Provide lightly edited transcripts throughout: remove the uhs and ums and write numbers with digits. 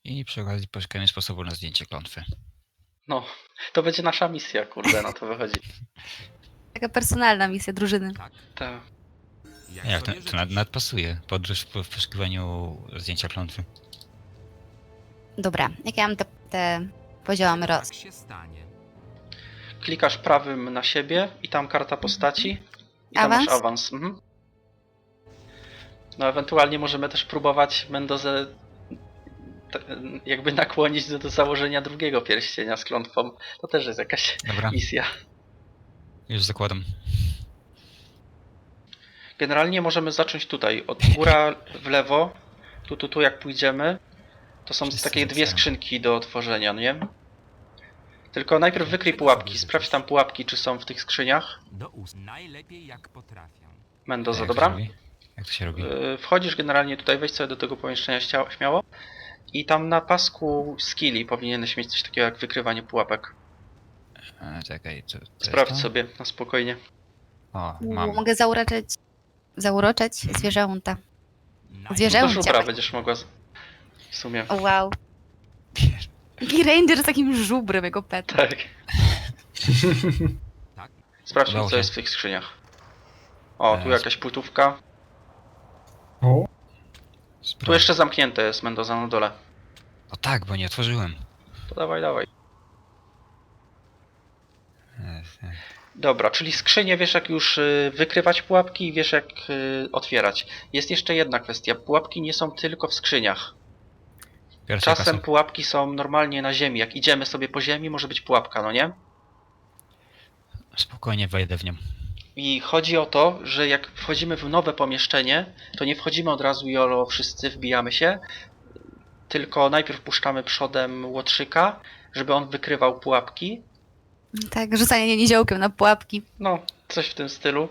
I przy okazji poszukajmy sposobu na zdjęcie klątwy. No, to będzie nasza misja, kurde, na to wychodzi. Taka personalna misja drużyny. Tak? Tak. Ja, sobie to życzysz. nadpasuje. Podróż w poszukiwaniu zdjęcia klątwy. Dobra, jak ja mam te poziomy roz... Tak się stanie. Klikasz prawym na siebie i tam karta postaci. I tam Awans? masz awans. Mhm. No ewentualnie możemy też próbować Mendozę jakby nakłonić do założenia drugiego pierścienia z klątwą. To też jest jakaś Dobra, misja. już zakładam. Generalnie możemy zacząć tutaj. Od góra w lewo. Tu jak pójdziemy. To są Wszyscy takie dwie zaczynają. skrzynki do otworzenia, nie? Tylko najpierw wykryj pułapki. Sprawdź tam pułapki, czy są w tych skrzyniach. Do ust. Najlepiej jak potrafię. Mendoza, Jak to dobra? się robi? Jak to się robi? Wchodzisz generalnie tutaj, wejdź sobie do tego pomieszczenia śmiało. I tam na pasku skilli powinieneś mieć coś takiego jak wykrywanie pułapek. Czekaj, to Sprawdź jest to? sobie na spokojnie. O, mam. Mogę zauroczyć zwierzęta. Do Zwierzęcia. żubra będziesz mogła w sumie. O, wow. Taki ranger z takim żubrem, jego pet. Tak. Tak? Sprawdźmy Udało co się. jest w tych skrzyniach. O, tu Teraz. jakaś płytówka. O, Tu jeszcze zamknięte jest Mendoza na dole. O tak, bo nie otworzyłem. To dawaj. E, Dobra, czyli skrzynie wiesz jak już wykrywać pułapki i wiesz jak otwierać. Jest jeszcze jedna kwestia. Pułapki nie są tylko w skrzyniach. Pierwsza Czasem kasa. pułapki są normalnie na ziemi. Jak idziemy sobie po ziemi, może być pułapka, no nie? Spokojnie wejdę w nią. I chodzi o to, że jak wchodzimy w nowe pomieszczenie, to nie wchodzimy od razu jolo wszyscy, wbijamy się, tylko najpierw puszczamy przodem łotrzyka, żeby on wykrywał pułapki. Tak, rzucanie niziołkiem na pułapki. No, coś w tym stylu.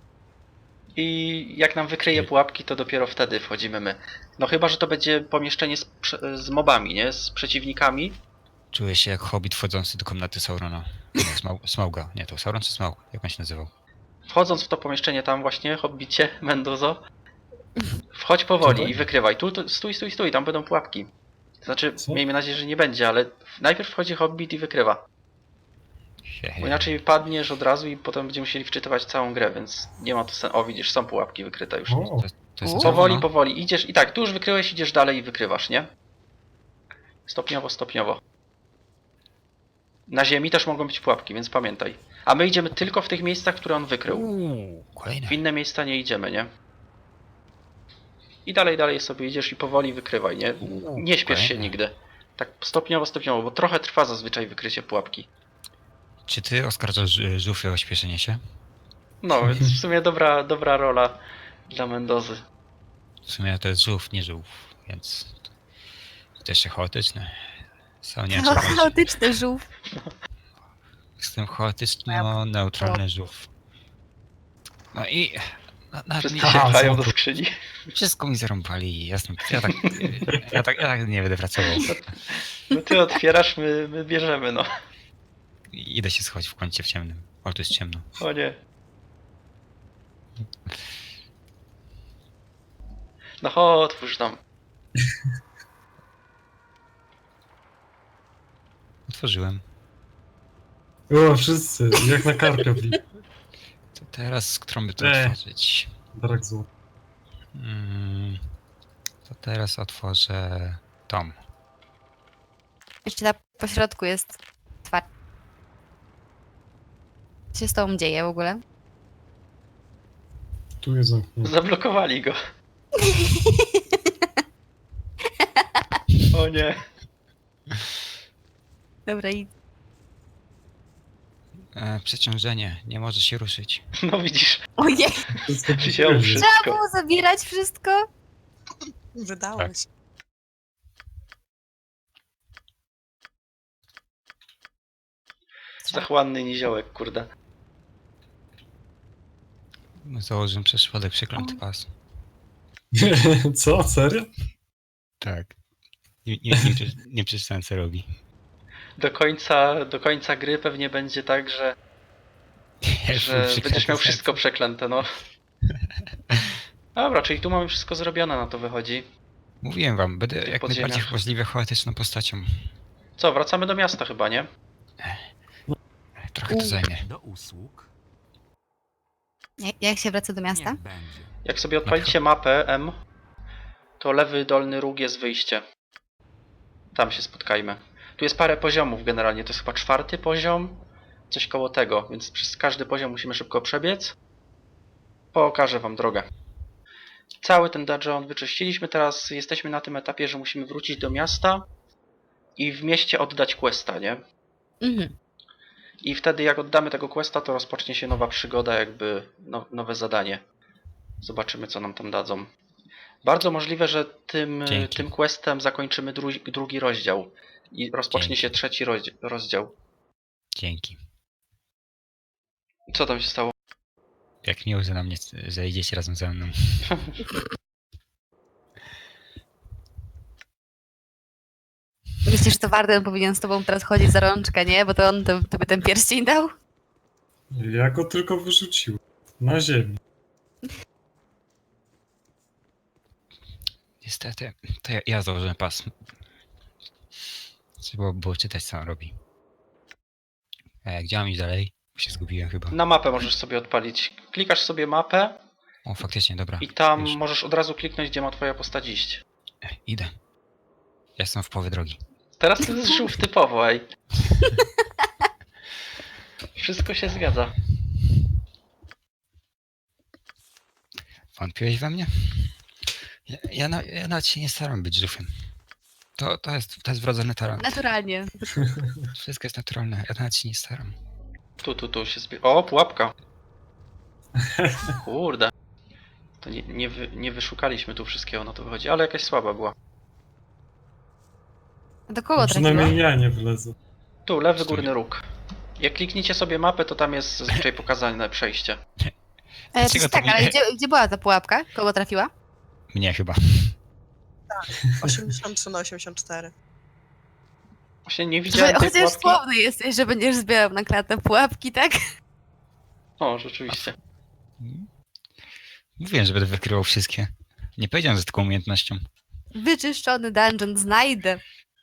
I jak nam wykryje pułapki, to dopiero wtedy wchodzimy my. No chyba, że to będzie pomieszczenie z mobami, nie? Z przeciwnikami. Czuję się jak hobbit wchodzący do komnaty Saurona. Nie, Smauga. Nie, to Sauron czy Smaug? Jak on się nazywał? Wchodząc w to pomieszczenie tam właśnie, hobbicie, Mendozo, wchodź powoli Tutaj? i wykrywaj. Tu, stój, tam będą pułapki. Znaczy, Co? miejmy nadzieję, że nie będzie, ale najpierw wchodzi hobbit i wykrywa. He, Bo inaczej padniesz od razu i potem będziemy musieli wczytywać całą grę, więc nie ma tu sensu. O, widzisz, są pułapki wykryte już. o, To jest Powoli, no? powoli. Idziesz i tak, tu już wykryłeś, idziesz dalej i wykrywasz, nie? Stopniowo. Na ziemi też mogą być pułapki, więc pamiętaj. A my idziemy tylko w tych miejscach, które on wykrył. Kolejne. W inne miejsca nie idziemy, nie? I dalej sobie idziesz i powoli wykrywaj, nie? Nie śpiesz się Kolejne. nigdy. Tak stopniowo, bo trochę trwa zazwyczaj wykrycie pułapki. Czy ty oskarżasz Żufę o śpieszenie się? No, więc w sumie dobra rola dla Mendozy. W sumie to jest żółw, nie żółw, więc to jeszcze chaotyczne. Sam nie wiem, co powiedzieć. Chaotyczny żółw. Jestem chaotyczno-neutralny żółw. No i... Wszyscy Ja, się Aha, pchają są do tu. skrzyni. wszystko mi zarąbali, jasno. Ja tak nie będę pracował. No ty otwierasz, my bierzemy, no. Idę się schować w kącie w ciemnym. O, tu jest ciemno. O nie. No chodź, otwórz tam. Otworzyłem. o, wszyscy, jak na karpia w To teraz, którą by to otworzyć? Brak złota. To teraz otworzę tom. Jeszcze na pośrodku jest twarz. Co się z tobą dzieje w ogóle? Tu jest zamknięte. Zablokowali go. O nie. Dobra, i Przeciążenie, nie może się ruszyć. No widzisz, ojej, Wszystko wziął przyjemnie. wszystko. trzeba było zabierać wszystko? Wydało Tak. się. Zachłanny niziołek, kurde. Założyłem przez przypadek przeklęty pas. Co? Serio? Tak. Nie przeczytałem, co robi. Do końca gry pewnie będzie tak, że będziesz miał wszystko przeklęte, no. Dobra, czyli tu mamy wszystko zrobione, na to wychodzi. Mówiłem wam, będę jak podziemiach. najbardziej możliwie chaotyczną postacią. Co, wracamy do miasta chyba, nie? Trochę to zajmie. Do usług. Jak się wraca do miasta? Niech będzie. Jak sobie odpalicie mapę M, to lewy dolny róg jest wyjście. Tam się spotkajmy. Tu jest parę poziomów generalnie, to jest chyba 4. poziom, coś koło tego, więc przez każdy poziom musimy szybko przebiec. Pokażę wam drogę. Cały ten dungeon wyczyściliśmy, teraz jesteśmy na tym etapie, że musimy wrócić do miasta i w mieście oddać questa, nie? Mhm. I wtedy jak oddamy tego questa, to rozpocznie się nowa przygoda, jakby nowe zadanie. Zobaczymy, co nam tam dadzą. Bardzo możliwe, że Dzięki. tym questem zakończymy drugi rozdział. I rozpocznie Dzięki. się 3. rozdział. Dzięki. Co tam się stało? Jak miło, że na mnie zejdziecie razem ze mną. Myślisz, że to Warden powinien z tobą teraz chodzić za rączkę, nie? Bo to on tobie ten pierścień dał? Ja go tylko wyrzuciłem. Na ziemię. Niestety, to ja założyłem pas. Trzeba było czytać, co on robi. Gdzie mam iść dalej? Się zgubiłem chyba. Na mapę możesz sobie odpalić. Klikasz sobie mapę O, faktycznie, dobra. i tam Już. możesz od razu kliknąć, gdzie ma twoja postać iść. Idę. Jestem w połowie drogi. Teraz to jest żółw typowo, ej. Wszystko się zgadza. Wątpiłeś we mnie? Ja nawet się nie staram być żółwiem. To jest wrodzony talent. Naturalnie. Wszystko jest naturalne, ja nawet się nie staram. Tu się O, pułapka. Kurde. To nie wyszukaliśmy tu wszystkiego, na to wychodzi, ale jakaś słaba była. Do kogo trafiło? Przynajmniej ja nie wlezę. Tu, lewy górny róg. Jak klikniecie sobie mapę, to tam jest zazwyczaj pokazane przejście. Dlaczego Tak, to ale mnie- gdzie była ta pułapka? Kogo trafiła? Mnie chyba. 83 na 84. Właśnie nie widziałem tej Chociaż pułapki. słowny jesteś, że będziesz zbierał na klatę pułapki, tak? O, rzeczywiście. Mówiłem, że będę wykrywał wszystkie. Nie powiedziałem z taką umiejętnością. Wyczyszczony dungeon znajdę.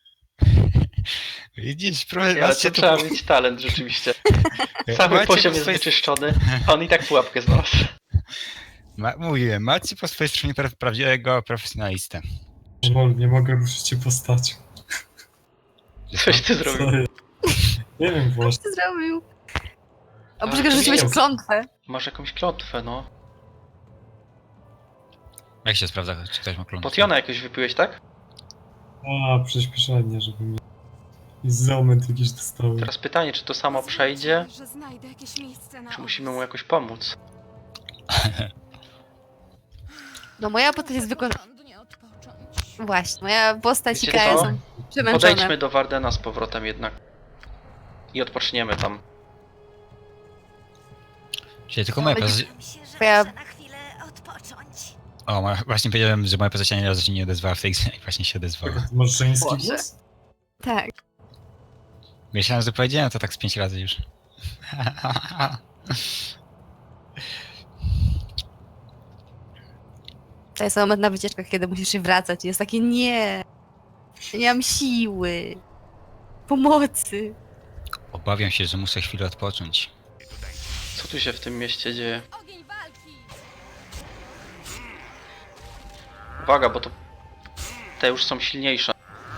Widzisz, Ale macie to trzeba mieć talent, rzeczywiście. Cały poziom jest wyczyszczony, a on i tak pułapkę znalazł. Mówiłem, macie po swojej stronie prawdziwego profesjonalistę. Nie mogę ruszyć się postacią. Coś ty Co zrobił. jest? Nie wiem Co właśnie. ty zrobił? Ale Oprócz tego, to że rzuciłeś jest- klątwę. Masz jakąś klątwę, no. Jak się sprawdza, czy ktoś ma klątwę? Potiona jakoś wypiłeś, tak? A, przyspieszenie, żeby mi... I zomet jakiś dostałem. Teraz pytanie, czy to samo przejdzie, Że znajdę jakieś miejsce na czy musimy mu jakoś pomóc? No moja postać jest Porządnie odpocząć. Właśnie, moja postać i Wiecie Kaja co? są przemęczone. Podejdźmy do Wardena z powrotem jednak. I odpoczniemy tam. Czyli tylko moja postać... Myślę, że Twoja- muszę na chwilę odpocząć. O, właśnie powiedziałem, że moja postać ani razu się nie odezwała w tej grze i właśnie się odezwała. Ty masz żeński Boże. głos? Tak. Myślałem, że powiedziałem to tak z 5 razy już. To jest moment na wycieczkach, kiedy musisz się wracać i jest takie nie mam siły. Pomocy. Obawiam się, że muszę chwilę odpocząć. Co tu się w tym mieście dzieje? Ogień walki! Uwaga, bo to... Te już są silniejsze.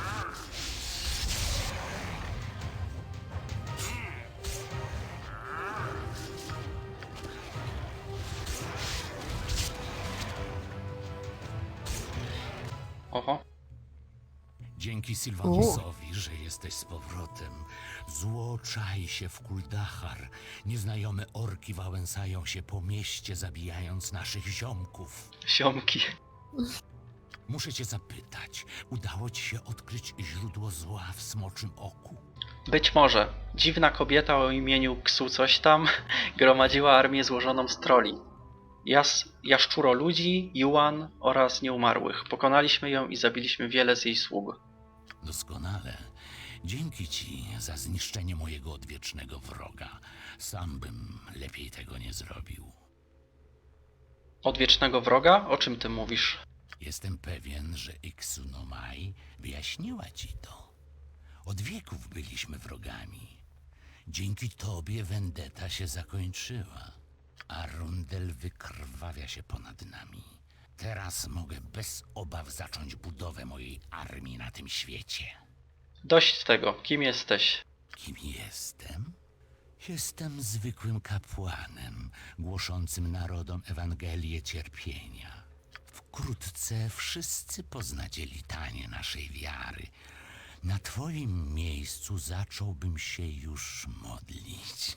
Oho. Dzięki Sylwanosowi, że jesteś z powrotem. Zło czai się w Kuldachar. Nieznajome orki wałęsają się po mieście, zabijając naszych ziomków. Siomki. Muszę cię zapytać, udało ci się odkryć źródło zła w Smoczym Oku? Być może. Dziwna kobieta o imieniu Ksu coś tam gromadziła armię złożoną z troli. Jaszczuro ludzi, Yuan oraz nieumarłych. Pokonaliśmy ją i zabiliśmy wiele z jej sług. Doskonale. Dzięki ci za zniszczenie mojego odwiecznego wroga. Sam bym lepiej tego nie zrobił. Odwiecznego wroga? O czym ty mówisz? Jestem pewien, że Iksunomai wyjaśniła ci to. Od wieków byliśmy wrogami. Dzięki tobie vendetta się zakończyła. Arundel wykrwawia się ponad nami. Teraz mogę bez obaw zacząć budowę mojej armii na tym świecie. Dość tego, kim jesteś? Kim jestem? Jestem zwykłym kapłanem, głoszącym narodom Ewangelię cierpienia. Wkrótce wszyscy poznacie litanię naszej wiary. Na twoim miejscu zacząłbym się już modlić.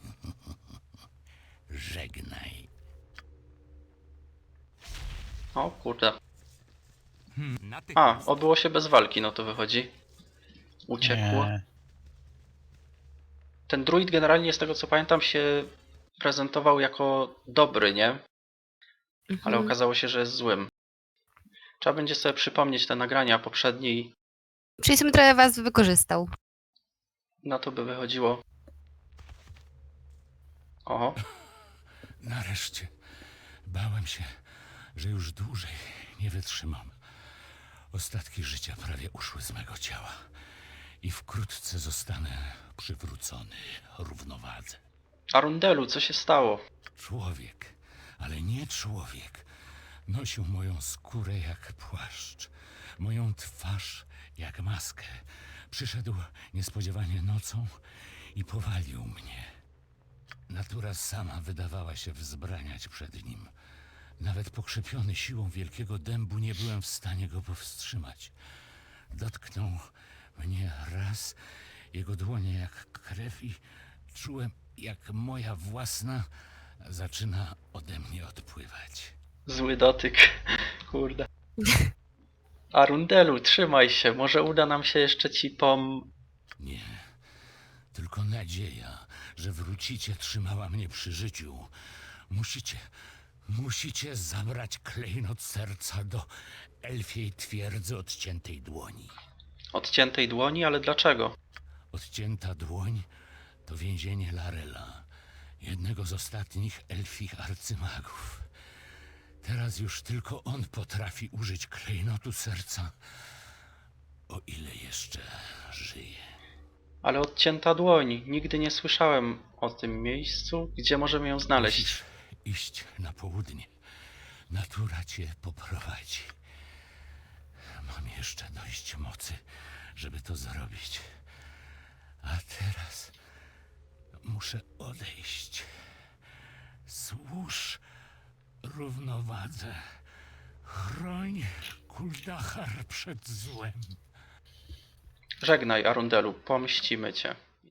Żegnaj. O kurde. A, Natychmiast. obyło się bez walki, no to wychodzi. Uciekło. Nie. Ten druid generalnie, z tego co pamiętam, się prezentował jako dobry, nie? Ale Mhm. okazało się, że jest złym. Trzeba będzie sobie przypomnieć te nagrania poprzednie i Czyli sobie trochę was wykorzystał. na to by wychodziło. Oho, Nareszcie. Bałem się, że już dłużej nie wytrzymam. Ostatki życia prawie uszły z mego ciała i wkrótce zostanę przywrócony równowadze. Arundelu, co się stało? Człowiek, ale nie człowiek, nosił moją skórę jak płaszcz, moją twarz jak maskę. Przyszedł niespodziewanie nocą i powalił mnie. Natura sama wydawała się wzbraniać przed nim. Nawet pokrzepiony siłą wielkiego dębu nie byłem w stanie go powstrzymać. Dotknął mnie raz, jego dłonie jak krew i czułem, jak moja własna zaczyna ode mnie odpływać. Zły dotyk. Kurde. Arundelu, trzymaj się. Może uda nam się jeszcze ci Nie, tylko nadzieja, że wrócicie, trzymała mnie przy życiu. Musicie zabrać klejnot serca do elfiej twierdzy odciętej dłoni. odciętej dłoni, ale dlaczego? Odcięta dłoń to więzienie Larela, jednego z ostatnich elfich arcymagów. Teraz już tylko on potrafi użyć klejnotu serca, o ile jeszcze żyje. Ale odcięta dłoń. Nigdy nie słyszałem o tym miejscu. Gdzie możemy ją znaleźć? Musisz iść na południe. Natura cię poprowadzi. Mam jeszcze dość mocy, żeby to zrobić. A teraz muszę odejść. Służ równowadze. Chroń Kuldachar przed złem. Żegnaj, Arundelu. Pomścimy cię.